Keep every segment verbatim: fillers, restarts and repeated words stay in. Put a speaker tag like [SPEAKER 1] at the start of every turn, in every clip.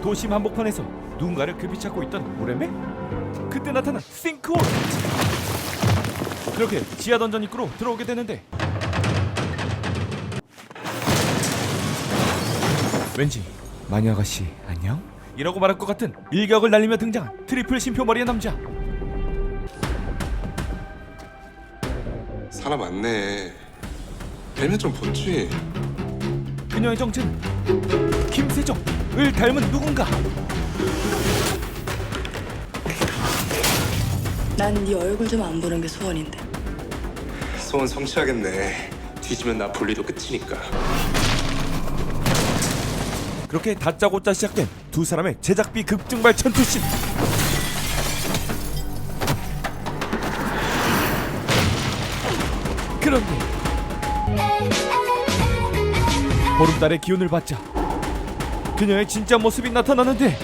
[SPEAKER 1] 도심 한복판에서 누군가를 급히 찾고 있던 오레메? 그때 나타난 싱크홀! 그렇게 지하 던전 입구로 들어오게 되는데 왠지 마녀 아가씨 안녕? 이라고 말할 것 같은 일격을 날리며 등장한 트리플 심표머리의 남자.
[SPEAKER 2] 사람 많네. 헬멧 좀 벗지.
[SPEAKER 1] 그녀의 정체는 김세정을 닮은 누군가.
[SPEAKER 3] 난 네 얼굴 좀 안 보는 게 소원인데.
[SPEAKER 2] 소원 성취하겠네. 뒤지면 나 분리도 끝이니까.
[SPEAKER 1] 그렇게 다짜고짜 시작된 두 사람의 제작비 급증발 전투씬. 그런데 보름달의 기운을 받자 그녀의 진짜 모습이 나타나는데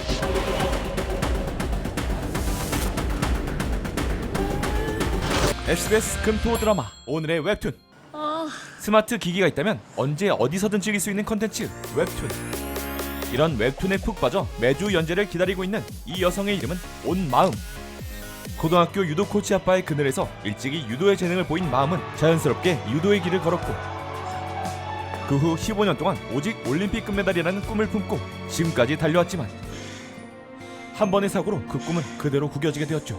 [SPEAKER 1] 에스비에스 금토 드라마 오늘의 웹툰. 스마트 기기가 있다면 언제 어디서든 즐길 수 있는 컨텐츠 웹툰. 이런 웹툰에 푹 빠져 매주 연재를 기다리고 있는 이 여성의 이름은 온마음. 고등학교 유도 코치 아빠의 그늘에서 일찍이 유도의 재능을 보인 마음은 자연스럽게 유도의 길을 걸었고 그 후 십오 년 동안 오직 올림픽 금메달이라는 꿈을 품고 지금까지 달려왔지만 한 번의 사고로 그 꿈은 그대로 구겨지게 되었죠.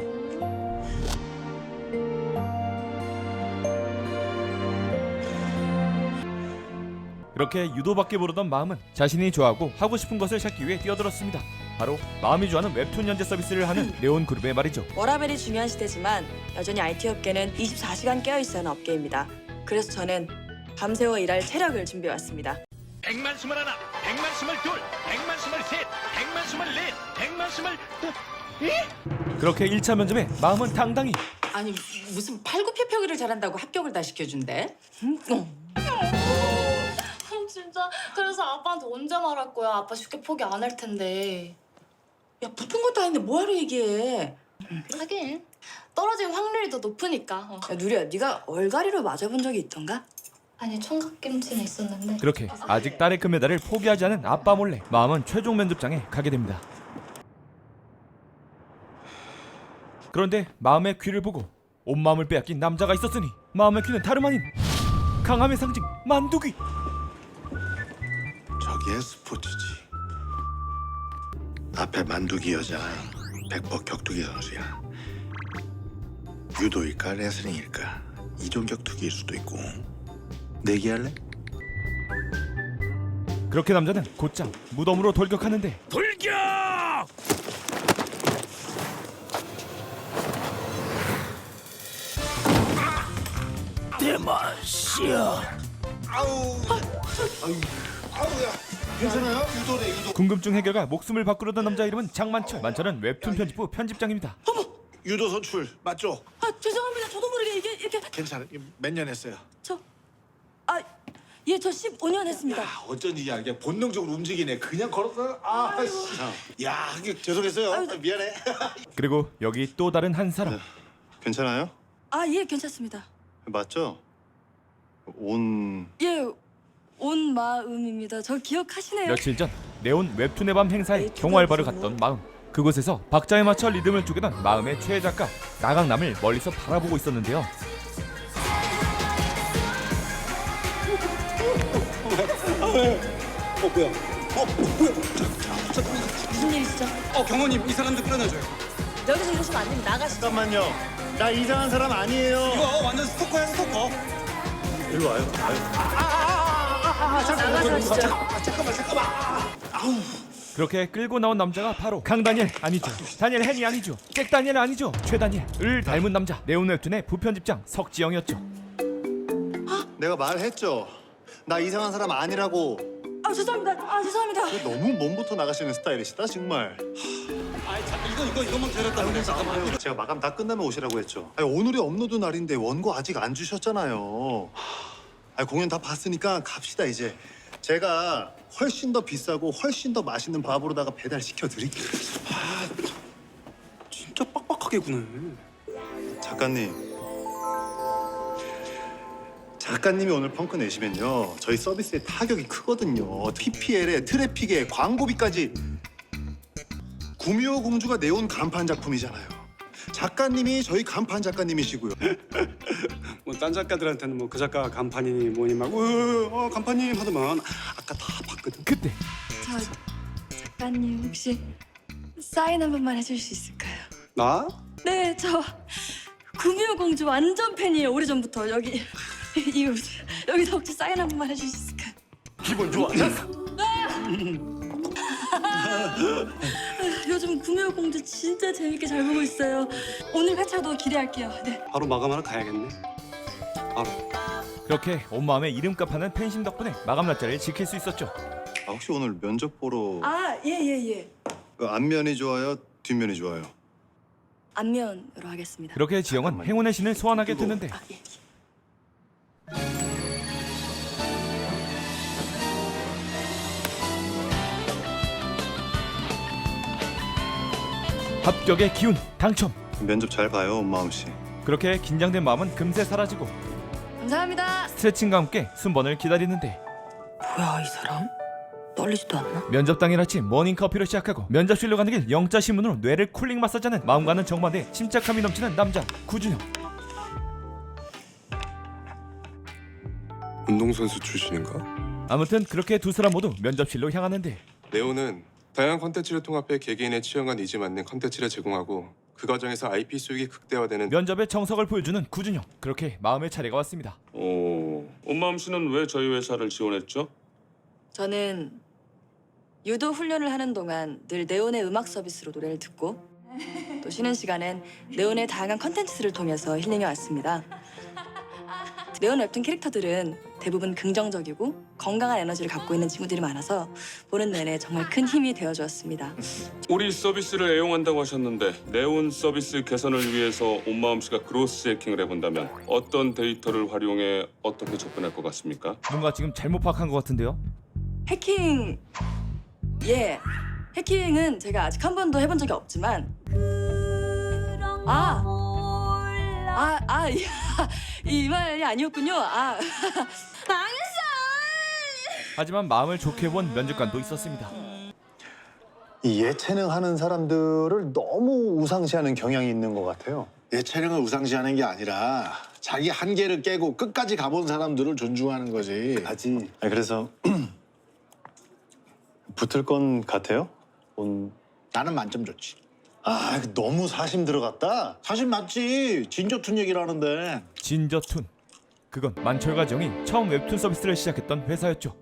[SPEAKER 1] 그렇게 유도밖에 모르던 마음은 자신이 좋아하고 하고 싶은 것을 찾기 위해 뛰어들었습니다. 바로 마음이 좋아하는 웹툰 연재 서비스를 하는 네온 그룹의 말이죠.
[SPEAKER 3] 워라벨이 중요한 시대지만 여전히 아이티 업계는 이십사 시간 깨어있어야 하는 업계입니다. 그래서 저는 밤새워 일할 체력을 준비해왔습니다.
[SPEAKER 4] 백만 스물 하나, 백만 스물 둘, 백만 스물 셋, 백만 스물 넷, 백만 스물 또
[SPEAKER 1] 그렇게 일 차 면접에 마음은 당당히
[SPEAKER 5] 아니 무슨 팔굽혀펴기를 잘한다고 합격을 다 시켜준대? 음, 어.
[SPEAKER 6] 진짜 그래서 아빠한테 언제 말할 거야? 아빠 쉽게 포기 안 할 텐데.
[SPEAKER 5] 야 붙은 것도 아닌데 뭐하러 얘기해?
[SPEAKER 6] 하긴 떨어질 확률이 더 높으니까. 어.
[SPEAKER 3] 야, 누리야, 네가 얼갈이로 맞아본 적이 있던가?
[SPEAKER 6] 아니 총각김치는 있었는데.
[SPEAKER 1] 그렇게 아직 딸의 금메달을 포기하지 않은 아빠 몰래 마음은 최종 면접장에 가게 됩니다. 그런데 마음의 귀를 보고 온 마음을 빼앗긴 남자가 있었으니 마음의 귀는 다름 아닌 강함의 상징 만두귀.
[SPEAKER 7] 저게 스포츠지. 앞에 만두기 여자, 백퍼 격투기 선수야. 유도일까 레슬링일까 이종 격투기일 수도 있고. 내기할래?
[SPEAKER 1] 그렇게 남자는 곧장 무덤으로 돌격하는데
[SPEAKER 4] 돌격!
[SPEAKER 7] 괜찮아요? 유도래 유도.
[SPEAKER 1] 궁금증 해결과 목숨을 바꾸려던 남자 이름은 장만철. 만철은 웹툰 편집부 편집장입니다.
[SPEAKER 7] 유도 선출 맞죠?
[SPEAKER 3] 아, 죄송합니다. 저도 모르게 이게 이렇게
[SPEAKER 7] 괜찮아. 몇 년 했어요?
[SPEAKER 3] 저... 아, 예, 저 십오 년 했습니다.
[SPEAKER 7] 아, 어쩐지 야, 이게 본능적으로 움직이네. 그냥 걸었어. 아, 씨. 야, 이게 죄송했어요.
[SPEAKER 3] 아유,
[SPEAKER 7] 아, 미안해.
[SPEAKER 1] 그리고 여기 또 다른 한 사람.
[SPEAKER 8] 괜찮아요?
[SPEAKER 3] 아, 예, 괜찮습니다.
[SPEAKER 8] 맞죠? 온...
[SPEAKER 3] 예, 온 마음입니다. 저 기억하시네요.
[SPEAKER 1] 며칠 전 네온 웹툰의 밤 행사에 경호알바를 갔던 마음. 그곳에서 박자에 맞춰 리듬을 쪼개던 마음의 최애 작가 나강남을 멀리서 바라보고 있었는데요.
[SPEAKER 7] 어, 뭐야? 어, 뭐야?
[SPEAKER 3] 무슨 일이시죠?
[SPEAKER 2] 어 경호님 이 사람들 끌어내줘요.
[SPEAKER 3] 여기서 이러시면 안 됩니다. 나가시죠.
[SPEAKER 8] 잠깐만요. 나 이상한 사람 아니에요.
[SPEAKER 2] 이거 완전 스토커야 스토커.
[SPEAKER 8] 일로 와요. 아유.
[SPEAKER 3] 나가서 하시죠.
[SPEAKER 7] 잠깐만, 잠깐만.
[SPEAKER 1] 그렇게 끌고 나온 남자가 바로 강다니엘 아니죠. 다니엘 헨이 아니죠. 잭다니엘 아니죠. 최다니엘을 닮은 남자 네온 웹툰의 부편집장 석지영이었죠.
[SPEAKER 8] 내가 말했죠. 나 이상한 사람 아니라고.
[SPEAKER 3] 아, 죄송합니다. 아, 죄송합니다.
[SPEAKER 8] 너무 몸부터 나가시는 스타일이시다 정말.
[SPEAKER 2] 이거 이거 이것만 기다렸다. 잠깐만.
[SPEAKER 8] 제가 마감 다 끝나면 오시라고 했죠. 아니, 오늘이 업로드 날인데 원고 아직 안 주셨잖아요. 아니, 공연 다 봤으니까 갑시다 이제. 제가 훨씬 더 비싸고 훨씬 더 맛있는 밥으로다가 배달시켜 드릴게요.
[SPEAKER 2] 진짜 빡빡하게 구네.
[SPEAKER 8] 작가님. 작가님이 오늘 펑크 내시면요 저희 서비스의 타격이 크거든요. 피피엘에 트래픽에 광고비까지. 구미호 공주가 내온 간판 작품이잖아요. 작가님이 저희 간판 작가님이시고요.
[SPEAKER 9] 뭐 딴 작가들한테는 뭐 그 작가 간판이니 뭐니 막 어, 어 간판님 하더만 아까 다 봤거든.
[SPEAKER 1] 그때
[SPEAKER 3] 저 작가님 혹시 사인 한 번만 해줄 수 있을까요?
[SPEAKER 9] 나?
[SPEAKER 3] 네, 저 구미호 공주 완전 팬이에요. 오래전부터 여기 이 여기서 혹시 사인 한 번만 해줄 수 있을까요?
[SPEAKER 2] 기분 좋아.
[SPEAKER 3] 요즘 구미호 공주 진짜 재밌게 잘 보고 있어요. 오늘 회차도 기대할게요. 네.
[SPEAKER 9] 바로 마감하러 가야겠네. 바로.
[SPEAKER 1] 그렇게 온 마음에 이름값 하는 팬심 덕분에 마감 날짜를 지킬 수 있었죠.
[SPEAKER 8] 아, 혹시 오늘 면접 보러
[SPEAKER 3] 아, 예, 예, 예.
[SPEAKER 8] 그 앞면이 좋아요, 뒷면이 좋아요?
[SPEAKER 3] 안면으로 하겠습니다.
[SPEAKER 1] 그렇게 지영은 행운의 신을 소환하게 되는데
[SPEAKER 3] 아, 예.
[SPEAKER 1] 합격의 기운 당첨.
[SPEAKER 8] 면접 잘 봐요, 엄마음 씨.
[SPEAKER 1] 그렇게 긴장된 마음은 금세 사라지고
[SPEAKER 3] 감사합니다.
[SPEAKER 1] 스트레칭과 함께 순번을 기다리는데
[SPEAKER 3] 뭐야, 이 사람? 떨리지도 않나?
[SPEAKER 1] 면접 당일 아침 모닝커피로 시작하고 면접실로 가는 길 영자 신문으로 뇌를 쿨링 마사지하는 마음과는 정반대 침착함이 넘치는 남자 구준영.
[SPEAKER 10] 운동선수 출신인가?
[SPEAKER 1] 아무튼 그렇게 두 사람 모두 면접실로 향하는데
[SPEAKER 10] 네오는 다양한 컨텐츠를 통합해 개개인의 취향과 니즈 맞는 컨텐츠를 제공하고 그 과정에서 아이피 수익이 극대화되는
[SPEAKER 1] 면접의 정석을 보여주는 구준영. 그렇게 마음의 차례가 왔습니다.
[SPEAKER 11] 오, 엄마음 씨는 왜 저희 회사를 지원했죠?
[SPEAKER 3] 저는 유도 훈련을 하는 동안 늘 네온의 음악 서비스로 노래를 듣고 또 쉬는 시간엔 네온의 다양한 컨텐츠를 통해서 힐링해 왔습니다. 네온 웹툰 캐릭터들은 대부분 긍정적이고 건강한 에너지를 갖고 있는 친구들이 많아서 보는 내내 정말 큰 힘이 되어주었습니다.
[SPEAKER 11] 우리 서비스를 애용한다고 하셨는데 네온 서비스 개선을 위해서 엄마음 씨가 그로스 해킹을 해본다면 어떤 데이터를 활용해 어떻게 접근할 것 같습니까?
[SPEAKER 1] 뭔가 지금 잘못 파악한 것 같은데요.
[SPEAKER 3] 해킹, 예, 해킹은 제가 아직 한 번도 해본 적이 없지만 아, 아, 아, 이, 이 말이 아니었군요. 아, 망했어.
[SPEAKER 1] 하지만 마음을 좋게 본 면접관도 있었습니다.
[SPEAKER 8] 이 예체능 하는 사람들을 너무 우상시하는 경향이 있는 것 같아요.
[SPEAKER 7] 예체능을 우상시하는 게 아니라 자기 한계를 깨고 끝까지 가본 사람들을 존중하는 거지.
[SPEAKER 8] 가지. 아, 그래서 붙을 건 같아요? 온...
[SPEAKER 7] 나는 만점 줬지.
[SPEAKER 8] 아, 너무 사심 들어갔다.
[SPEAKER 7] 사실 맞지. 진저툰 얘기를 하는데.
[SPEAKER 1] 진저툰. 그건 만철과 정이 처음 웹툰 서비스를 시작했던 회사였죠.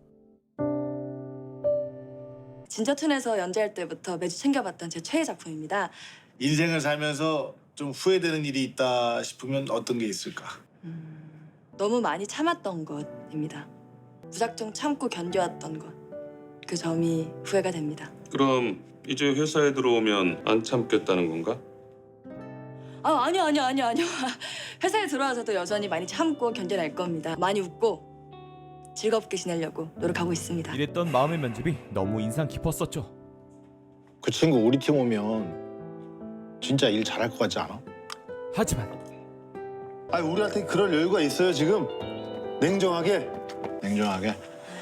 [SPEAKER 3] 진저툰에서 연재할 때부터 매주 챙겨봤던 제 최애 작품입니다.
[SPEAKER 7] 인생을 살면서 좀 후회되는 일이 있다 싶으면 어떤 게 있을까?
[SPEAKER 3] 음, 너무 많이 참았던 것입니다. 무작정 참고 견뎌왔던 것. 그 점이 후회가 됩니다.
[SPEAKER 11] 그럼 이제 회사에 들어오면 안 참겠다는 건가?
[SPEAKER 3] 아, 아니요, 아니요, 아니요, 아니요. 회사에 들어와서도 여전히 많이 참고 견뎌낼 겁니다. 많이 웃고 즐겁게 지내려고 노력하고 있습니다.
[SPEAKER 1] 이랬던 마음의 면접이 너무 인상 깊었었죠.
[SPEAKER 7] 그 친구 우리 팀 오면 진짜 일 잘할 것 같지 않아?
[SPEAKER 1] 하지만
[SPEAKER 8] 아, 우리한테 그럴 여유가 있어요, 지금? 냉정하게.
[SPEAKER 7] 냉정하게.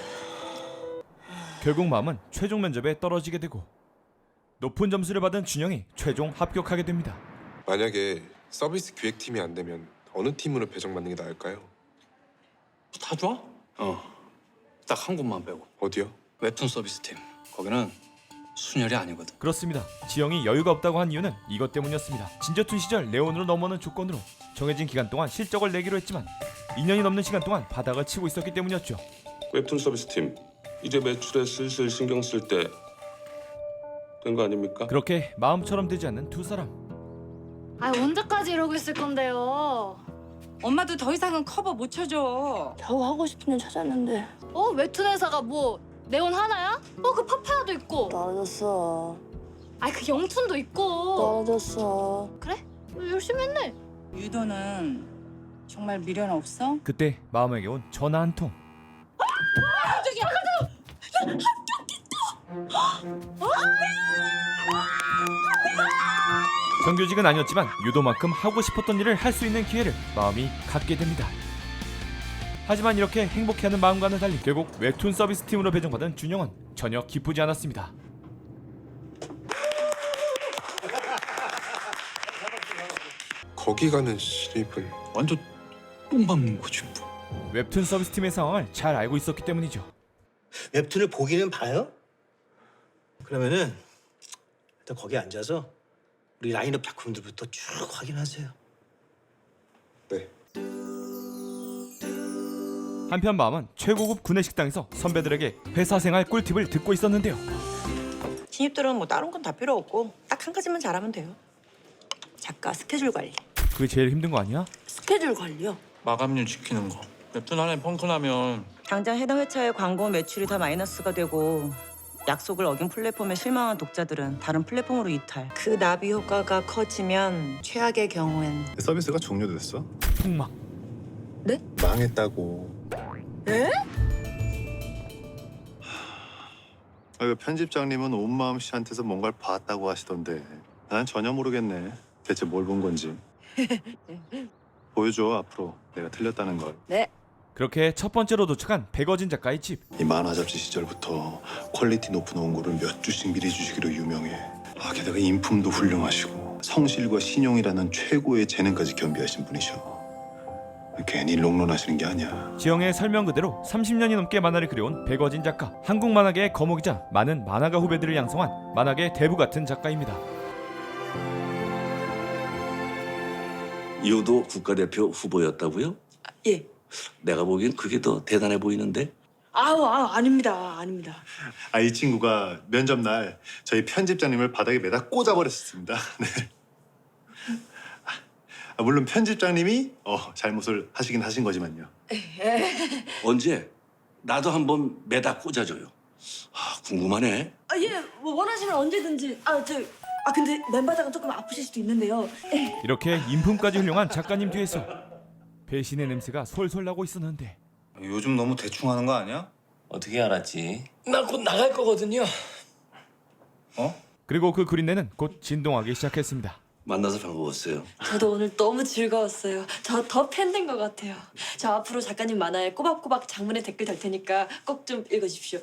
[SPEAKER 1] 결국 마음은 최종 면접에 떨어지게 되고 높은 점수를 받은 준영이 최종 합격하게 됩니다.
[SPEAKER 10] 만약에 서비스 기획팀이 안 되면 어느 팀으로 배정받는 게 나을까요?
[SPEAKER 9] 다 좋아? 어. 딱 한 곳만 빼고.
[SPEAKER 10] 어디요?
[SPEAKER 9] 웹툰 서비스 팀. 거기는 순혈이 아니거든.
[SPEAKER 1] 그렇습니다. 지영이 여유가 없다고 한 이유는 이것 때문이었습니다. 진저툰 시절 네온으로 넘어오는 조건으로 정해진 기간 동안 실적을 내기로 했지만 이 년이 넘는 시간 동안 바닥을 치고 있었기 때문이었죠.
[SPEAKER 11] 웹툰 서비스 팀 이제 매출에 슬슬 신경 쓸 때 된 거 아닙니까?
[SPEAKER 1] 그렇게 마음처럼 되지 않는 두 사람.
[SPEAKER 6] 아, 언제까지 이러고 있을 건데요?
[SPEAKER 5] 엄마도 더 이상은 커버 못 쳐줘.
[SPEAKER 3] 겨우 하고 싶은 일 찾았는데
[SPEAKER 6] 어, 웹툰 회사가 뭐 네온 하나야? 어, 그 파파야도 있고.
[SPEAKER 3] 떨어졌어.
[SPEAKER 6] 아, 그 영툰도 있고.
[SPEAKER 3] 떨어졌어.
[SPEAKER 6] 그래? 열심히 했네.
[SPEAKER 5] 유도는 정말 미련 없어?
[SPEAKER 1] 그때 마음에게 온 전화 한 통. 정규직은 아니었지만 유도만큼 하고 싶었던 일을 할 수 있는 기회를 마음이 갖게 됩니다. 하지만 이렇게 행복해하는 마음과는 달리 결국 웹툰 서비스 팀으로 배정받은 준영은 전혀 기쁘지 않았습니다.
[SPEAKER 10] 거기 가는 신입은
[SPEAKER 2] 완전 똥 밟는 거지 뭐.
[SPEAKER 1] 웹툰 서비스팀의 상황을 잘 알고 있었기 때문이죠.
[SPEAKER 2] 웹툰을 보기는 봐요? 그러면은 일단 거기 앉아서 우리 라인업 작품들부터 쭉 확인하세요.
[SPEAKER 10] 네.
[SPEAKER 1] 한편 마음은 최고급 구내식당에서 선배들에게 회사 생활 꿀팁을 듣고 있었는데요.
[SPEAKER 3] 신입들은 뭐 다른 건 다 필요 없고 딱 한 가지만 잘하면 돼요. 작가 스케줄 관리.
[SPEAKER 1] 그게 제일 힘든 거 아니야?
[SPEAKER 3] 스케줄 관리요?
[SPEAKER 2] 마감률 지키는 거. 웹툰 안에 펑크 나면
[SPEAKER 3] 당장 해당 회차의 광고 매출이 다 마이너스가 되고 약속을 어긴 플랫폼에 실망한 독자들은 다른 플랫폼으로 이탈. 그 나비 효과가 커지면 최악의 경우엔
[SPEAKER 8] 서비스가 종료됐어?
[SPEAKER 1] 폭막.
[SPEAKER 8] 망했다고.
[SPEAKER 3] 에?
[SPEAKER 8] 아, 그 편집장님은 온마음 씨한테서 뭔가를 봤다고 하시던데 난 전혀 모르겠네. 대체 뭘 본 건지. 보여줘 앞으로 내가 틀렸다는 걸.
[SPEAKER 3] 네.
[SPEAKER 1] 그렇게 첫 번째로 도착한 백어진 작가의 집.
[SPEAKER 8] 이 만화 잡지 시절부터 퀄리티 높은 원고를 몇 주씩 미리 주시기로 유명해. 아, 게다가 인품도 훌륭하시고 성실과 신용이라는 최고의 재능까지 겸비하신 분이셔. 괜히 롱런하시는 게 아니야.
[SPEAKER 1] 지영의 설명 그대로 삼십 년이 넘게 만화를 그려온 백어진 작가. 한국 만화계의 거목이자 많은 만화가 후배들을 양성한 만화계 대부 같은 작가입니다.
[SPEAKER 12] 유도 국가대표 후보였다고요?
[SPEAKER 3] 예.
[SPEAKER 12] 내가 보기엔 그게 더 대단해 보이는데?
[SPEAKER 3] 아우, 아우 아닙니다, 아닙니다.
[SPEAKER 8] 아, 이 친구가 면접 날 저희 편집장님을 바닥에 매다 꽂아버렸습니다. 네. 아, 물론 편집장님이 어, 잘못을 하시긴 하신 거지만요.
[SPEAKER 12] 언제? 나도 한번 매다 꽂아줘요. 아, 궁금하네.
[SPEAKER 3] 아, 예, 뭐 원하시면 언제든지. 아, 저, 아 근데 맨바닥은 조금 아프실 수도 있는데요.
[SPEAKER 1] 이렇게 인품까지 훌륭한 작가님 뒤에서 배신의 냄새가 솔솔 나고 있었는데
[SPEAKER 2] 요즘 너무 대충 하는 거 아니야?
[SPEAKER 12] 어떻게 알았지?
[SPEAKER 2] 나 곧 나갈 거거든요. 어?
[SPEAKER 1] 그리고 그 그린내는 곧 진동하기 시작했습니다.
[SPEAKER 12] 만나서 반가웠어요.
[SPEAKER 3] 저도 오늘 너무 즐거웠어요. 저 더 팬 된 것 같아요. 저 앞으로 작가님 만화에 꼬박꼬박 장문의 댓글 달 테니까 꼭 좀 읽어주십시오.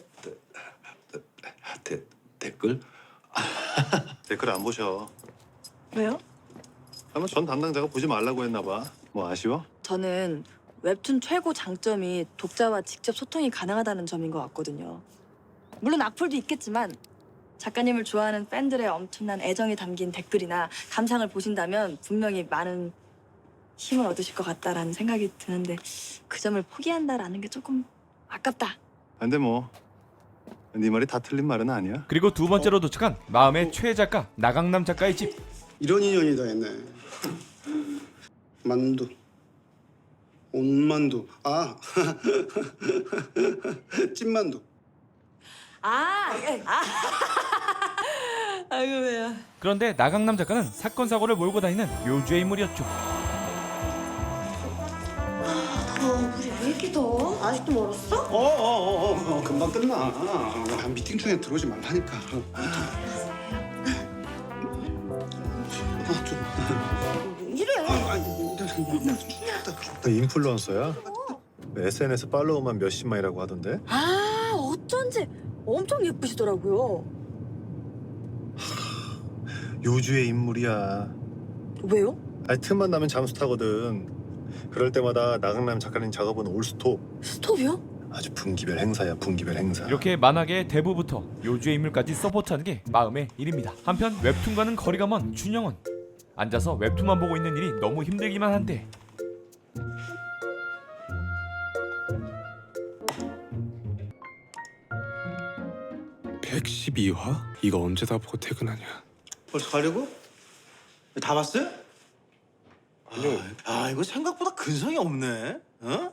[SPEAKER 12] 데, 댓글?
[SPEAKER 8] 댓글 안 보셔.
[SPEAKER 3] 왜요?
[SPEAKER 8] 아마 전 담당자가 보지 말라고 했나 봐. 뭐 아쉬워?
[SPEAKER 3] 저는 웹툰 최고 장점이 독자와 직접 소통이 가능하다는 점인 것 같거든요. 물론 악플도 있겠지만 작가님을 좋아하는 팬들의 엄청난 애정이 담긴 댓글이나 감상을 보신다면 분명히 많은 힘을 얻으실 것 같다라는 생각이 드는데 그 점을 포기한다라는 게 조금 아깝다.
[SPEAKER 8] 근데 뭐 네 말이 다 틀린 말은 아니야.
[SPEAKER 1] 그리고 두 번째로 도착한 마음의 최애 작가 나강남 작가의 집.
[SPEAKER 9] 이런 인연이다 했네. 만두, 온만두, 아 찐만두.
[SPEAKER 3] 아, 예. 아. 아이고 왜요?
[SPEAKER 1] 그런데 나강남 작가는 사건 사고를 몰고 다니는 묘주의 인물이었죠.
[SPEAKER 6] 어, 우리 왜 이렇게 더워? 아직도 멀었어?
[SPEAKER 9] 어어어 어, 어, 금방 끝나. 아, 미팅 중에 들어오지 말라니까. 아, 좀.
[SPEAKER 6] 이래.
[SPEAKER 9] 아, 아니,
[SPEAKER 8] 너 인플루언서야? 에스엔에스 팔로워만 몇십만이라고 하던데.
[SPEAKER 3] 아, 어쩐지 엄청 예쁘시더라고요.
[SPEAKER 8] 요주의 인물이야.
[SPEAKER 3] 왜요?
[SPEAKER 8] 아니 틈만 나면 잠수 타거든. 그럴 때마다 나강남 작가님 작업은 올스톱.
[SPEAKER 3] 스톱이요?
[SPEAKER 8] 아주 분기별 행사야, 분기별 행사.
[SPEAKER 1] 이렇게 만화계의 대부부터 요주의 인물까지 서포트하는 게 마음의 일입니다. 한편 웹툰과는 거리가 먼 준영은 앉아서 웹툰만 보고 있는 일이 너무 힘들기만 한데
[SPEAKER 10] 백십이 화? 이거 언제 다 보고 퇴근하냐?
[SPEAKER 2] 벌써 가려고? 다 봤어요?
[SPEAKER 10] 아니요.
[SPEAKER 2] 아 이거 생각보다 근성이 없네. 어?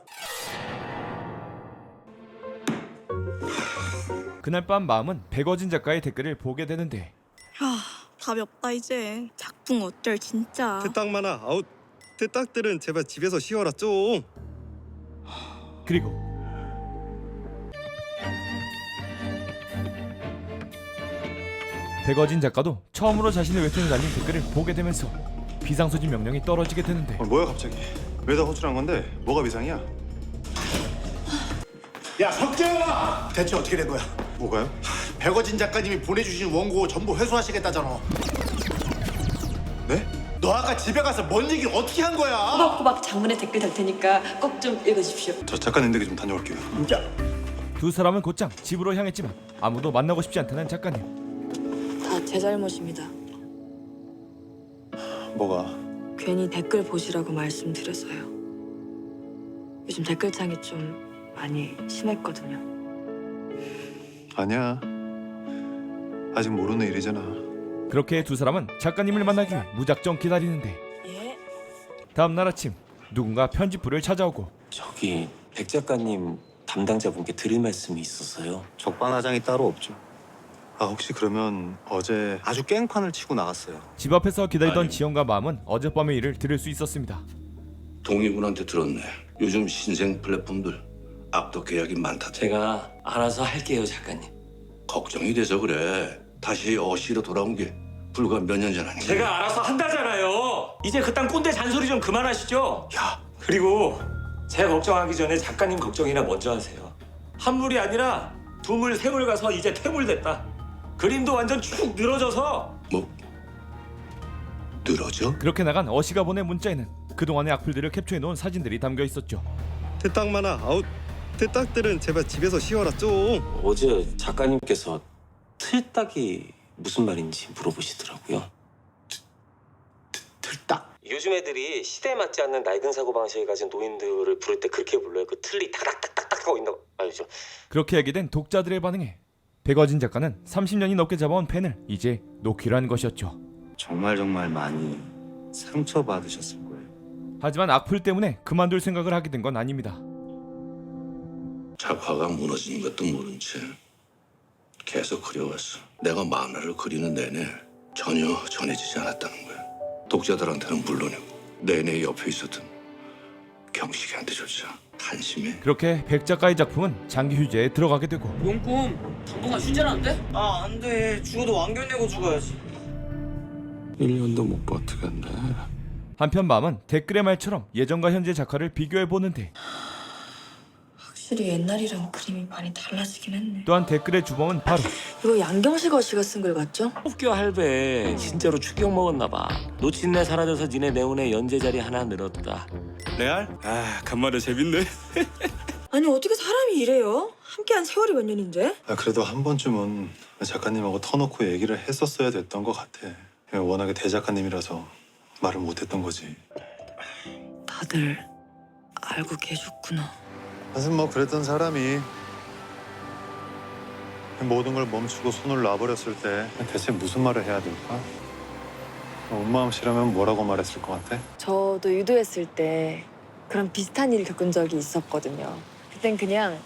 [SPEAKER 1] 그날 밤 마음은 백어진 작가의 댓글을 보게 되는데
[SPEAKER 6] 아, 답이 없다 이제. 작품 어쩔 진짜.
[SPEAKER 9] 대딱 많아. 아우 대딱들은 제발 집에서 쉬어라 좀.
[SPEAKER 1] 그리고 백어진 작가도 처음으로 자신의 웹툰에 달린 댓글을 보게 되면서 비상소진 명령이 떨어지게 되는데
[SPEAKER 8] 어, 뭐야 갑자기? 왜 다 호출한 건데? 뭐가 비상이야?
[SPEAKER 7] 야 석재영아! 대체 어떻게 된 거야?
[SPEAKER 8] 뭐가요?
[SPEAKER 7] 백어진 작가님이 보내주신 원고 전부 회수하시겠다잖아.
[SPEAKER 8] 네?
[SPEAKER 7] 너 너 아까 집에 가서 뭔 얘기를 어떻게 한 거야?
[SPEAKER 3] 꼬박꼬박 장문의 댓글 달 테니까 꼭 좀 읽어주십시오.
[SPEAKER 8] 저 작가님에게 좀 다녀올게요.
[SPEAKER 1] 두 사람은 곧장 집으로 향했지만 아무도 만나고 싶지 않다는 작가님.
[SPEAKER 3] 다 제 잘못입니다.
[SPEAKER 8] 뭐가?
[SPEAKER 3] 괜히 댓글 보시라고 말씀드려서요. 요즘 댓글창이 좀 많이 심했거든요.
[SPEAKER 8] 아니야. 아직 모르는 일이잖아.
[SPEAKER 1] 그렇게 두 사람은 작가님을 만나기 위해 무작정 기다리는데
[SPEAKER 3] 예?
[SPEAKER 1] 다음 날 아침 누군가 편집부를 찾아오고
[SPEAKER 12] 저기 백 작가님 담당자분께 드릴 말씀이 있어서요.
[SPEAKER 8] 적반하장이 따로 없죠. 아 혹시 그러면 어제 아주 깽판을 치고 나갔어요.
[SPEAKER 1] 집 앞에서 기다리던
[SPEAKER 12] 아니.
[SPEAKER 1] 지영과 마음은 어젯밤의 일을 들을 수 있었습니다.
[SPEAKER 12] 동의군한테 들었네. 요즘 신생 플랫폼들 악덕 계약이 많다. 제가 알아서 할게요, 작가님. 걱정이 돼서 그래. 다시 어시로 돌아온 게 불과 몇 년 전 아닌가?
[SPEAKER 13] 제가 알아서 한다잖아요. 이제 그딴 꼰대 잔소리 좀 그만하시죠.
[SPEAKER 12] 야,
[SPEAKER 13] 그리고 제 걱정하기 전에 작가님 걱정이나 먼저 하세요. 한 물이 아니라 두 물, 세 물 가서 이제 퇴물 됐다. 그림도 완전 축 늘어져서
[SPEAKER 12] 뭐 늘어져?
[SPEAKER 1] 그렇게 나간 어시가 보낸 문자에는 그동안의 악플들을 캡처해놓은 사진들이 담겨 있었죠.
[SPEAKER 9] 대딱 많아. 아우 대딱들은 제발 집에서 씌워라 좀.
[SPEAKER 12] 어제 작가님께서 틀딱이 무슨 말인지 물어보시더라고요.
[SPEAKER 7] 틀딱?
[SPEAKER 13] 요즘 애들이 시대에 맞지 않는 낡은 사고방식을 가진 노인들을 부를 때 그렇게 불러요. 그 틀리 타닥타닥타닥 하고 있는 거 알죠?
[SPEAKER 1] 그렇게 얘기된 독자들의 반응에 백어진 작가는 삼십 년이 넘게 잡아온 펜을 이제 놓기로 한 것이었죠.
[SPEAKER 9] 정말 정말 많이 상처받으셨을 거예요.
[SPEAKER 1] 하지만 악플 때문에 그만둘 생각을 하게 된 건 아닙니다.
[SPEAKER 12] 작화가 무너지는 것도 모른 채 계속 그려왔어. 내가 만화를 그리는 내내 전혀 전해지지 않았다는 거야. 독자들한테는 물론이고 내내 옆에 있었던 경식이한테조차 한심해.
[SPEAKER 1] 그렇게 백 작가의 작품은 장기 휴재에 들어가게 되고
[SPEAKER 5] 용꿈 당분간 휴재라는데? 아 안돼 죽어도 왕견 내고 죽어야지.
[SPEAKER 10] 일 년도 못 버티겠네.
[SPEAKER 1] 한편 마음은 댓글의 말처럼 예전과 현재 작화를 비교해 보는데
[SPEAKER 3] 확실히 옛날이랑 그림이 많이 달라지긴 했네.
[SPEAKER 1] 또한 댓글의 주범은 바로
[SPEAKER 3] 이거 양경식 어씨가 쓴 글 같죠?
[SPEAKER 13] 뽑교 할배 진짜로 축격 먹었나 봐. 놓친내 사라져서 니네 네온의 연재 자리 하나 늘었다.
[SPEAKER 9] 레알? 아 간만에 재밌네.
[SPEAKER 3] 아니 어떻게 사람이 이래요? 함께한 세월이 몇 년인데?
[SPEAKER 8] 아, 그래도 한 번쯤은 작가님하고 터놓고 얘기를 했었어야 됐던 것 같아. 워낙에 대작가님이라서 말을 못했던 거지.
[SPEAKER 3] 다들 알고 계셨구나.
[SPEAKER 8] 사실 뭐 그랬던 사람이 모든 걸 멈추고 손을 놔버렸을 때 대체 무슨 말을 해야 될까? 온마음 씨라면 뭐라고 말했을 것 같아?
[SPEAKER 3] 저도 유도했을 때 그런 비슷한 일을 겪은 적이 있었거든요. 그땐 그냥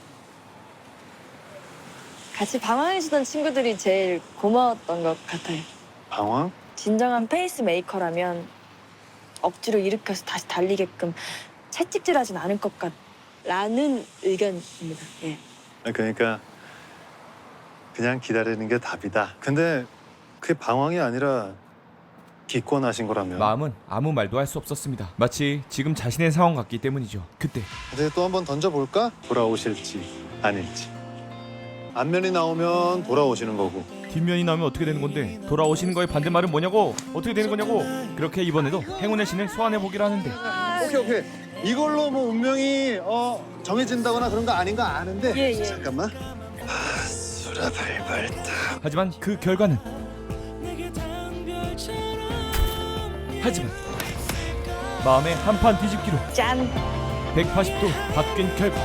[SPEAKER 3] 같이 방황해주던 친구들이 제일 고마웠던 것 같아요.
[SPEAKER 8] 방황?
[SPEAKER 3] 진정한 페이스메이커라면 억지로 일으켜서 다시 달리게끔 채찍질하진 않을 것 같라는 의견입니다. 예.
[SPEAKER 8] 그러니까 그냥 기다리는 게 답이다. 근데 그게 방황이 아니라 기권하신 거라면
[SPEAKER 1] 마음은 아무 말도 할 수 없었습니다. 마치 지금 자신의 상황 같기 때문이죠. 그때
[SPEAKER 8] 근데 또 한번 던져볼까? 돌아오실지 아닐지. 앞면이 나오면 돌아오시는 거고
[SPEAKER 1] 뒷면이 나오면 어떻게 되는 건데 돌아오시는 거의 반대말은 뭐냐고 어떻게 되는 거냐고. 그렇게 이번에도 행운의 신을 소환해 보기로 하는데
[SPEAKER 8] 오케이 오케이 이걸로 뭐 운명이 어 정해진다거나 그런 거 아닌 거 아는데
[SPEAKER 3] 예, 예.
[SPEAKER 8] 잠깐만 수라 발발타
[SPEAKER 1] 하지만 그 결과는 하지만 마음의 한판 뒤집기로
[SPEAKER 3] 짠!
[SPEAKER 1] 백팔십 도 바뀐 결과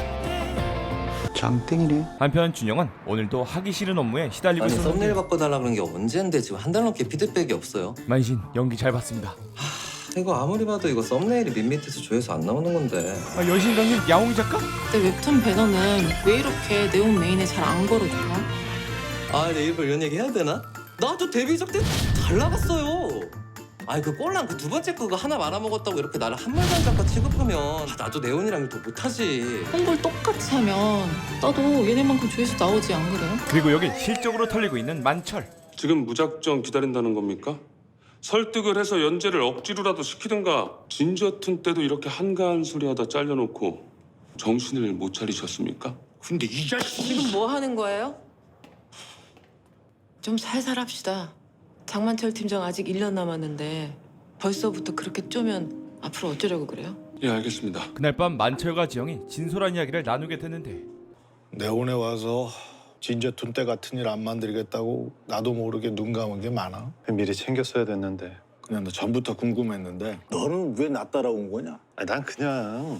[SPEAKER 8] 장땡이네.
[SPEAKER 1] 한편 준영은 오늘도 하기 싫은 업무에 시달리고
[SPEAKER 13] 아니
[SPEAKER 1] 있었는데
[SPEAKER 13] 썸네일 바꿔달라는 게 언젠데 지금 한 달 넘게 피드백이 없어요.
[SPEAKER 1] 만신 연기 잘 봤습니다.
[SPEAKER 13] 이거 아무리 봐도 이거 썸네일이 밋밋해서 조회수 안 나오는 건데.
[SPEAKER 1] 아, 여신 강님 야옹이 작가?
[SPEAKER 6] 내 웹툰 배너는 왜 이렇게 내용 메인에 잘 안 걸어줘요?
[SPEAKER 13] 아 내 일부러 이런 얘기 해야 되나? 나도 데뷔작 때 잘 나갔어요. 아니 그 꼴랑 그 두 번째 그거 하나 말아먹었다고 이렇게 나를 한말단 작가 취급하면 아, 나도 네온이랑 더 못하지.
[SPEAKER 6] 홍보를 똑같이 하면 나도 얘네만큼 조회수 나오지 안 그래요?
[SPEAKER 1] 그리고 여기 실적으로 털리고 있는 만철.
[SPEAKER 11] 지금 무작정 기다린다는 겁니까? 설득을 해서 연재를 억지로라도 시키든가. 진저툰 때도 이렇게 한가한 소리 하다 잘려놓고 정신을 못 차리셨습니까?
[SPEAKER 7] 근데 이 자식
[SPEAKER 5] 지금 뭐 하는 거예요? 좀 살살 합시다. 장만철 팀장 아직 일 년 남았는데 벌써부터 그렇게 쪼면 앞으로 어쩌려고 그래요?
[SPEAKER 11] 예, 알겠습니다.
[SPEAKER 1] 그날 밤 만철과 지영이 진솔한 이야기를 나누게 되는데
[SPEAKER 7] 내온에 와서 진저툰 때 같은 일 안 만들겠다고 나도 모르게 눈 감은 게 많아.
[SPEAKER 8] 미리 챙겼어야 됐는데.
[SPEAKER 7] 그냥 너 전부터 궁금했는데 너는 왜 나 따라온 거냐?
[SPEAKER 8] 아니, 난 그냥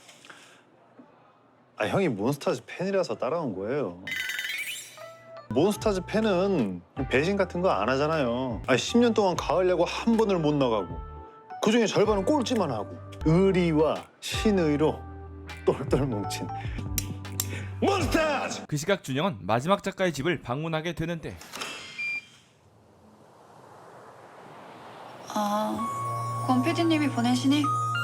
[SPEAKER 8] 아 형이 몬스타즈 팬이라서 따라온 거예요. 몬스타즈 팬은 배신 같은 거 안 하잖아요. 아니 십 년 동안 가을 야구 한 번을 못 나가고 그중에 절반은 꼴찌만 하고 의리와 신의로 똘똘 뭉친 몬스타즈!
[SPEAKER 1] 그 시각 준영은 마지막 작가의 집을 방문하게 되는데
[SPEAKER 6] 아, 권 피디님이 보내시니?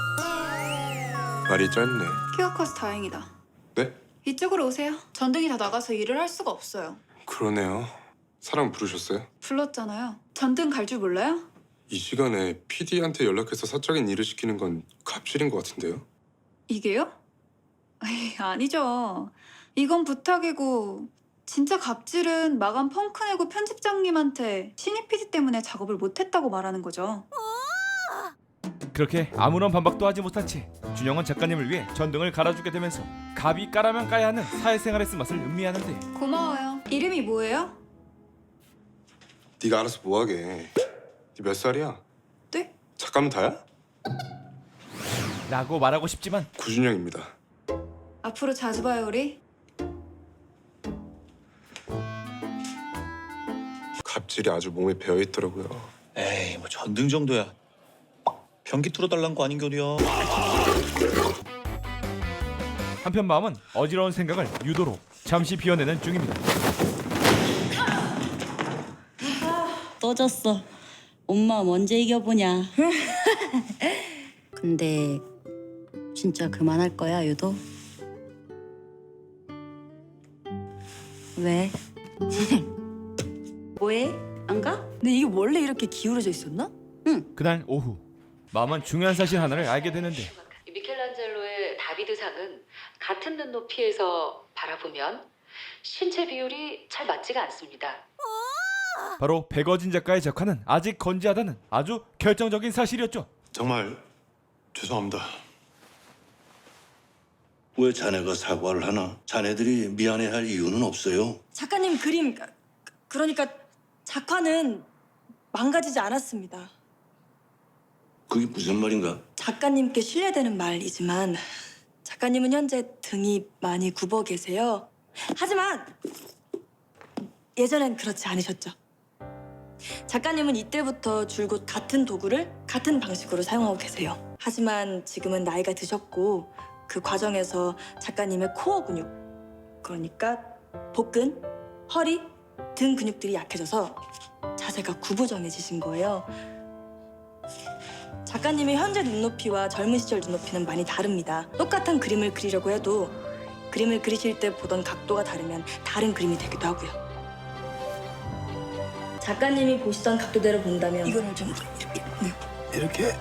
[SPEAKER 10] 말이 짧네.
[SPEAKER 6] 키가 커서 다행이다.
[SPEAKER 10] 네?
[SPEAKER 6] 이쪽으로 오세요. 전등이 다 나가서 일을 할 수가 없어요.
[SPEAKER 10] 그러네요. 사람 부르셨어요?
[SPEAKER 6] 불렀잖아요. 전등 갈 줄 몰라요?
[SPEAKER 10] 이 시간에 피디한테 연락해서 사적인 일을 시키는 건 갑질인 것 같은데요?
[SPEAKER 6] 이게요? 에이, 아니죠. 이건 부탁이고 진짜 갑질은 마감 펑크 내고 편집장님한테 신입 피디 때문에 작업을 못했다고 말하는 거죠.
[SPEAKER 1] 그렇게 아무런 반박도 하지 못한 채 준영은 작가님을 위해 전등을 갈아주게 되면서 갑이 까라면 까야 하는 사회생활의 쓴맛을 음미하는데
[SPEAKER 6] 고마워요. 이름이 뭐예요?
[SPEAKER 10] 네가 알아서 뭐하게. 네 몇 살이야?
[SPEAKER 6] 네?
[SPEAKER 10] 작가면 다야?
[SPEAKER 1] 라고 말하고 싶지만
[SPEAKER 10] 구준영입니다.
[SPEAKER 6] 앞으로 자주 봐요, 우리.
[SPEAKER 10] 갑질이 아주 몸에 배어있더라고요.
[SPEAKER 2] 에이 뭐 전등 정도야. 변기 뚫어달란 거 아닌 거려.
[SPEAKER 1] 한편 마음은 어지러운 생각을 유도로 잠시 비워내는 중입니다.
[SPEAKER 14] 떠졌어. 엄마 언제 이겨보냐. 근데 진짜 그만할 거야, 유도? 왜? 뭐해? 안 가?
[SPEAKER 3] 근데 이게 원래 이렇게 기울어져 있었나?
[SPEAKER 1] 그날 오후 마음은 중요한 사실 하나를 알게 되는데
[SPEAKER 5] 미켈란젤로의 다비드상은 같은 눈높이에서 바라보면 신체 비율이 잘 맞지가 않습니다.
[SPEAKER 1] 바로 백어진 작가의 작화는 아직 건재하다는 아주 결정적인 사실이었죠.
[SPEAKER 8] 정말 죄송합니다.
[SPEAKER 12] 왜 자네가 사과를 하나? 자네들이 미안해할 이유는 없어요.
[SPEAKER 3] 작가님 그림 그- 그러니까 작화는 망가지지 않았습니다.
[SPEAKER 12] 그게 무슨 말인가?
[SPEAKER 3] 작가님께 신뢰되는 말이지만 작가님은 현재 등이 많이 굽어 계세요. 하지만 예전엔 그렇지 않으셨죠. 작가님은 이때부터 줄곧 같은 도구를 같은 방식으로 사용하고 계세요. 하지만 지금은 나이가 드셨고 그 과정에서 작가님의 코어 근육, 그러니까 복근, 허리, 등 근육들이 약해져서 자세가 구부정해지신 거예요. 작가님의 현재 눈높이와 젊은 시절 눈높이는 많이 다릅니다. 똑같은 그림을 그리려고 해도 그림을 그리실 때 보던 각도가 다르면 다른 그림이 되기도 하고요. 작가님이 보시던 각도대로 본다면 이거를 좀 이렇게
[SPEAKER 7] 이렇게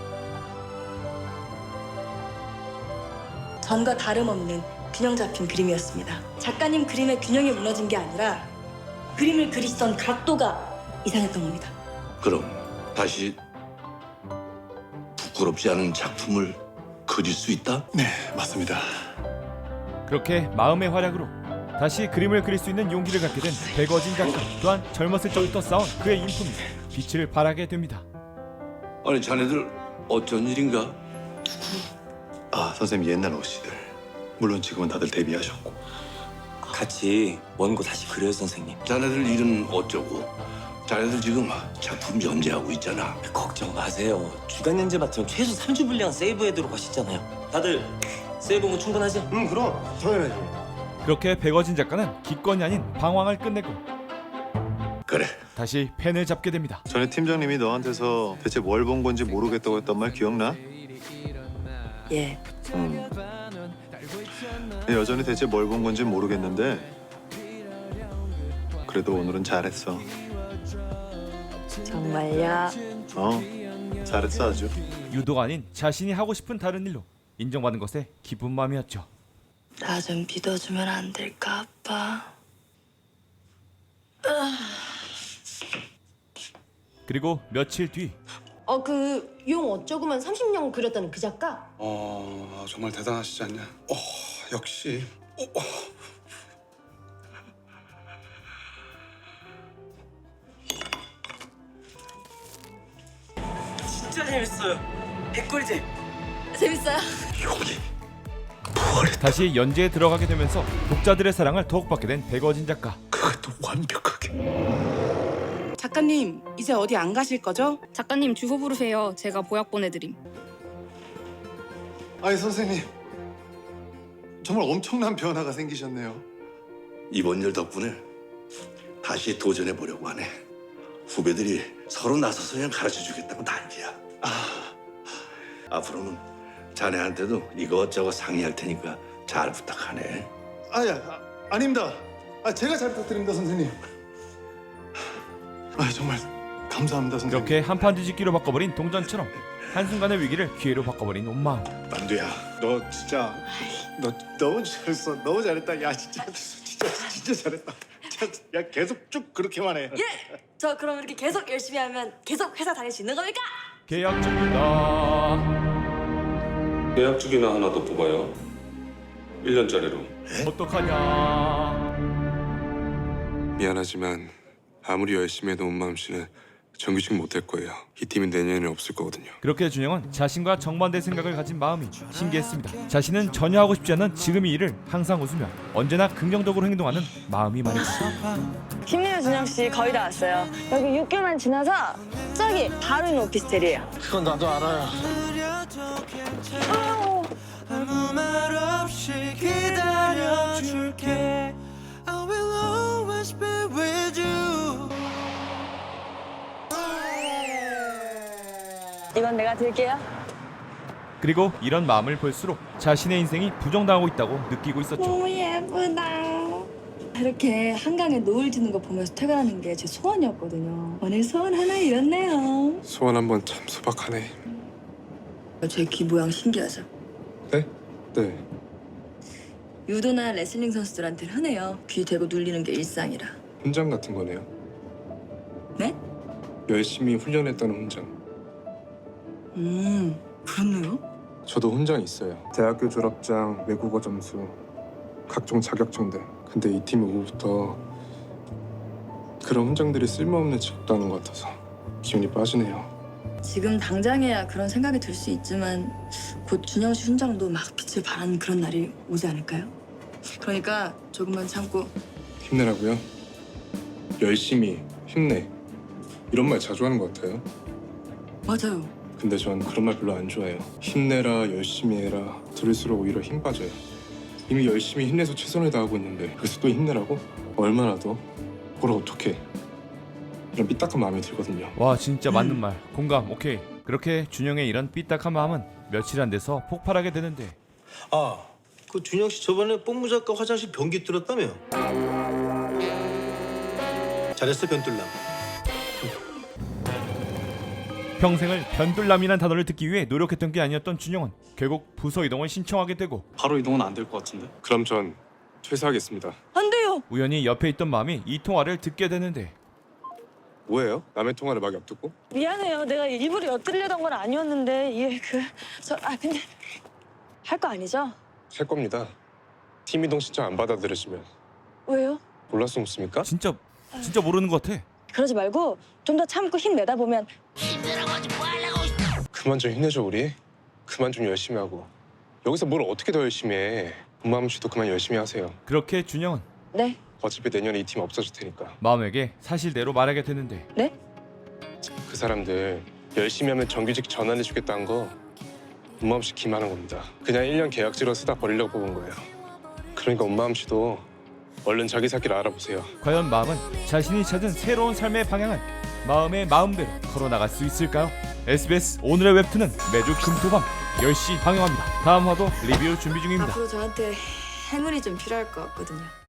[SPEAKER 3] 전과 다름없는 균형 잡힌 그림이었습니다. 작가님 그림의 균형이 무너진 게 아니라 그림을 그리시던 각도가 이상했던 겁니다.
[SPEAKER 12] 그럼 다시 부끄럽지 않은 작품을 그릴 수 있다?
[SPEAKER 8] 네, 맞습니다.
[SPEAKER 1] 그렇게 마음의 활약으로 다시 그림을 그릴 수 있는 용기를 갖게 된 백어진 작가. 또한 젊었을 적부터 쌓은 그의 인품이 빛을 발하게 됩니다.
[SPEAKER 12] 아니 자네들 어쩐 일인가?
[SPEAKER 8] 아, 선생님 옛날 오시들. 물론 지금은 다들 데뷔하셨고.
[SPEAKER 13] 같이 원고 다시 그려요, 선생님.
[SPEAKER 12] 자네들 일은 어쩌고? 자네들 지금 작품 연재하고 있잖아.
[SPEAKER 13] 걱정 마세요. 주간 연재 맡으면 최소 삼 주 분량 세이브해두러 가시잖아요. 다들 세이브는 충분하지?
[SPEAKER 8] 응, 그럼 당연하지.
[SPEAKER 1] 그렇게 백어진 작가는 기권이 아닌 방황을 끝내고
[SPEAKER 12] 그래.
[SPEAKER 1] 다시 펜을 잡게 됩니다.
[SPEAKER 8] 전에 팀장님이 너한테서 대체 뭘 본 건지 모르겠다고 했던 말 기억나?
[SPEAKER 3] 예.
[SPEAKER 8] 음. 여전히 대체 뭘 본 건지 모르겠는데 그래도 오늘은 잘했어.
[SPEAKER 3] 정말요?
[SPEAKER 8] 어, 잘했어 아주.
[SPEAKER 1] 유도가 아닌 자신이 하고 싶은 다른 일로 인정받는 것에 기쁜 마음이었죠.
[SPEAKER 3] 나 좀 믿어주면 안 될까, 아빠?
[SPEAKER 1] 그리고 며칠 뒤
[SPEAKER 15] 어, 그 용 어쩌고만 삼십 년 그렸다는 그 작가?
[SPEAKER 9] 어 정말 대단하시지 않냐? 어 역시. 어, 어.
[SPEAKER 13] 진짜 재밌어요. 백골잼.
[SPEAKER 3] 재밌어요?
[SPEAKER 1] 다시 연재에 들어가게 되면서 독자들의 사랑을 더욱 받게 된 백어진 작가.
[SPEAKER 7] 그것도 완벽하게.
[SPEAKER 5] 작가님, 이제 어디 안 가실 거죠?
[SPEAKER 16] 작가님 주소 부르세요. 제가 보약 보내드림.
[SPEAKER 8] 아니 선생님 정말 엄청난 변화가 생기셨네요.
[SPEAKER 12] 이번 일 덕분에 다시 도전해 보려고 하네. 후배들이 서로 나서서 그냥 가르쳐주겠다고 난리야. 아, 앞으로는 자네한테도 이것저것 상의할 테니까 잘 부탁하네.
[SPEAKER 8] 아야 아, 아닙니다. 아 제가 잘 부탁드립니다 선생님. 아 정말 감사합니다 선생님.
[SPEAKER 1] 이렇게 한판 뒤집기로 바꿔버린 동전처럼 한순간의 위기를 기회로 바꿔버린 온 마음.
[SPEAKER 7] 만두야, 너 진짜 너 너무 잘했어. 너무 잘했다. 야 진짜 진짜 진짜 잘했다. 야 계속 쭉 그렇게만 해.
[SPEAKER 3] 예! 저 그럼 이렇게 계속 열심히 하면 계속 회사 다닐 수 있는 겁니까?
[SPEAKER 1] 계약 중이다.
[SPEAKER 11] 계약직이나 하나 더 뽑아요. 일 년짜리로.
[SPEAKER 1] 어떡하냐.
[SPEAKER 10] 미안하지만 아무리 열심히 해도 온마음 씨는 정규직 못할 거예요. 이 팀은 내년에는 없을 거거든요.
[SPEAKER 1] 그렇게 준영은 자신과 정반대 생각을 가진 마음이 신기했습니다. 자신은 전혀 하고 싶지 않은 지금 이 일을 항상 웃으며 언제나 긍정적으로 행동하는 마음이 말이죠.
[SPEAKER 3] 힘내요 준영 씨, 거의 다 왔어요. 여기 육 개월만 지나서 저기 바로 있는 오피스텔이에요.
[SPEAKER 7] 그건 나도 알아요.
[SPEAKER 3] 아무 말 없이 기다려줄게. I will always be with you. 이건 내가 들게요.
[SPEAKER 1] 그리고 이런 마음을 볼수록 자신의 인생이 부정당하고 있다고 느끼고 있었죠.
[SPEAKER 3] 너무 예쁘다. 이렇게 한강에 노을 지는 거 보면서 퇴근하는 게 제 소원이었거든요. 오늘 소원 하나 이뤘네요.
[SPEAKER 10] 소원 한번 참 소박하네.
[SPEAKER 3] 제 귀 모양 신기하죠?
[SPEAKER 10] 네? 네.
[SPEAKER 3] 유도나 레슬링 선수들한테는 흔해요. 귀 대고 눌리는 게 일상이라.
[SPEAKER 10] 훈장 같은 거네요.
[SPEAKER 3] 네?
[SPEAKER 10] 열심히 훈련했다는 훈장.
[SPEAKER 3] 음, 그렇네요.
[SPEAKER 10] 저도 훈장 있어요. 대학교 졸업장, 외국어 점수, 각종 자격증들. 근데 이 팀 오후부터 그런 훈장들이 쓸모없는 직업다는 것 같아서 기운이 빠지네요.
[SPEAKER 3] 지금 당장에야 그런 생각이 들 수 있지만 곧 준영 씨 훈장도 막 빛을 발하는 그런 날이 오지 않을까요? 그러니까 조금만 참고.
[SPEAKER 10] 힘내라고요? 열심히, 힘내. 이런 말 자주 하는 것 같아요.
[SPEAKER 3] 맞아요.
[SPEAKER 10] 근데 전 그런 말 별로 안 좋아해요. 힘내라, 열심히 해라 들을수록 오히려 힘 빠져요. 이미 열심히 힘내서 최선을 다하고 있는데 그래서 또 힘내라고? 얼마나 더? 그걸 어떻게? 이런 삐딱한 마음이 들거든요.
[SPEAKER 1] 와 진짜 맞는 말. 공감. 오케이. 그렇게 준영의 이런 삐딱한 마음은 며칠 안 돼서 폭발하게 되는데.
[SPEAKER 17] 아, 그 준영 씨 저번에 뽕무 작가 화장실 변기 뚫었다며? 잘했어 변뚫남.
[SPEAKER 1] 평생을 변둘남이란 단어를 듣기 위해 노력했던 게 아니었던 준영은 결국 부서 이동을 신청하게 되고.
[SPEAKER 9] 바로 이동은 안 될 것 같은데.
[SPEAKER 10] 그럼 전 퇴사하겠습니다.
[SPEAKER 3] 안 돼요.
[SPEAKER 1] 우연히 옆에 있던 마음이 이 통화를 듣게 되는데.
[SPEAKER 10] 뭐예요? 남의 통화를 막 엿듣고?
[SPEAKER 3] 미안해요. 내가 일부러 엿들려던 건 아니었는데 이게 그... 저... 아 근데 할 거 아니죠?
[SPEAKER 10] 할 겁니다. 팀 이동 신청 안 받아들으시면.
[SPEAKER 3] 왜요?
[SPEAKER 10] 몰라서 묻습니까?
[SPEAKER 1] 진짜 진짜 모르는 것 같아.
[SPEAKER 3] 그러지 말고 좀 더 참고 힘내다 보면.
[SPEAKER 10] 그만 좀 힘내죠 우리. 그만 좀 열심히 하고. 여기서 뭘 어떻게 더 열심히 해. 엄마음 씨도 그만 열심히 하세요.
[SPEAKER 1] 그렇게 준영은
[SPEAKER 3] 네.
[SPEAKER 10] 어차피 내년에 이 팀 없어질 테니까.
[SPEAKER 1] 마음에게 사실대로 말하게 되는데.
[SPEAKER 3] 네?
[SPEAKER 10] 그 사람들 열심히 하면 정규직 전환해주겠다는 거 엄마음 씨 기만한 겁니다. 그냥 일 년 계약직으로 쓰다 버리려고 뽑은 거예요. 그러니까 엄마음 씨도 얼른 자기 살 길 알아보세요.
[SPEAKER 1] 과연 마음은 자신이 찾은 새로운 삶의 방향을 마음의 마음대로 걸어나갈 수 있을까요? 에스비에스 오늘의 웹툰은 매주 금토밤 열 시 방영합니다. 다음 화도 리뷰 준비 중입니다.
[SPEAKER 3] 앞으로 저한테 행운이 좀 필요할 것 같거든요.